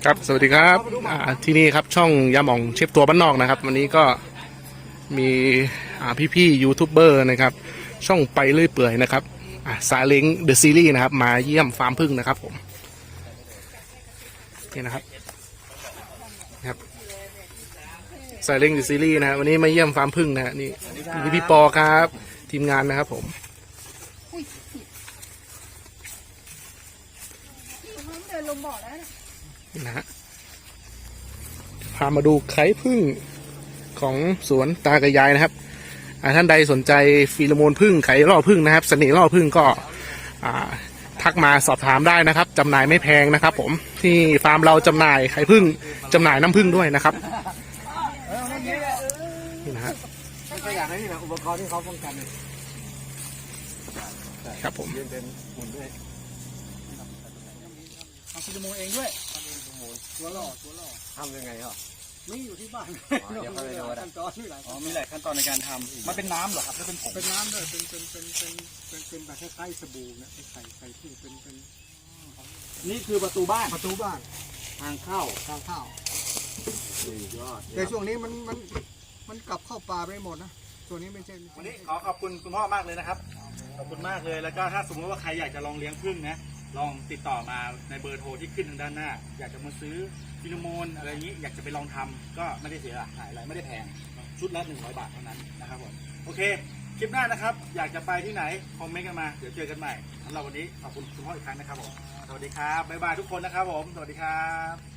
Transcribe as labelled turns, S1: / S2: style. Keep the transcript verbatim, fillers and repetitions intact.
S1: ครับสวัสดีครับที่นี่ครับช่องยาหม่องเชฟตัวบ้านนอกนะครับวันนี้ก็มีพี่ๆยูทูบเบอร์นะครับช่องไปเรื่อยเปื่อยนะครับซาเล้งเดอะซีรีส์นะครับมาเยี่ยมฟาร์มพึ่งนะครับผมนี่นะครับครับซาเล้งเดอะซีรีส์นะวันนี้มาเยี่ยมฟาร์มพึ่งนะนี่นี่พี่ปอครับทีมงานนะครับผม
S2: เดินลงบ่อแล้ว
S1: นะฮะพามาดูไข่พึ่งของสวนตากระยายนะครับท่านใดสนใจฟีโรโมนพึ่งไข่ล่อพึ่งนะครับเสน่ห์ล่อพึ่งก็ทักมาสอบถามได้นะครับจำหน่ายไม่แพงนะครับผมที่ฟาร์มเราจำหน่ายไข่พึ่งจำหน่ายน้ำพึ่งด้วยนะครับนี่นะฮะ
S3: ก็อยากให้นี่นะอุปกรณ์ที่เขาป้องกัน
S1: ครับผม
S3: ทำฟีโรโมนเองด้วยตัวหล่อตัวหล่อทำยังไงอ่ะนี่อยู่ที่บ้านเดี๋ยวเขาไปดูขั้นตอนนี่หลายอ๋อมีหลายขั้นตอนในการทำมันเป็นน้ำเหรอครับหรือเป็นผงเป็นน้ำด้วยเป็นเป็นเป็นเป็นเป็นเป็นแบบคล้ายๆสบู่นะเป็นไข่ไข่ที่เป็นเป็นนี่คือประตูบ้านประตูบ้านทางเข้าทางเข้าแต่ช่วงนี้มันมันมันกลับเข้าป่าไปหมดนะตัวนี้ไม่ใช่วันนี้ขอขอบคุณคุณพ่อมากเลยนะครับขอบคุณมากเลยแล้วก็ถ้าสมมติว่าใครอยากจะลองเลี้ยงผึ้งนะลองติดต่อมาในเบอร์โทรที่ขึ้นทางด้านหน้าอยากจะมาซื้อฟีโรโมนอะไรอย่างนี้อยากจะไปลองทำก็ไม่ได้เสียหายอะไรไม่ได้แพงชุดละหนึ่งร้อยบาทเท่านั้นนะครับผมโอเคคลิปหน้านะครับอยากจะไปที่ไหนคอมเมนต์กันมาเดี๋ยวเจอกันใหม่สำหรับวันนี้ขอบคุณคุณพ่ออีกครั้งนะครับผมสวัสดีครับบ๊ายบายทุกคนนะครับผมสวัสดีครับ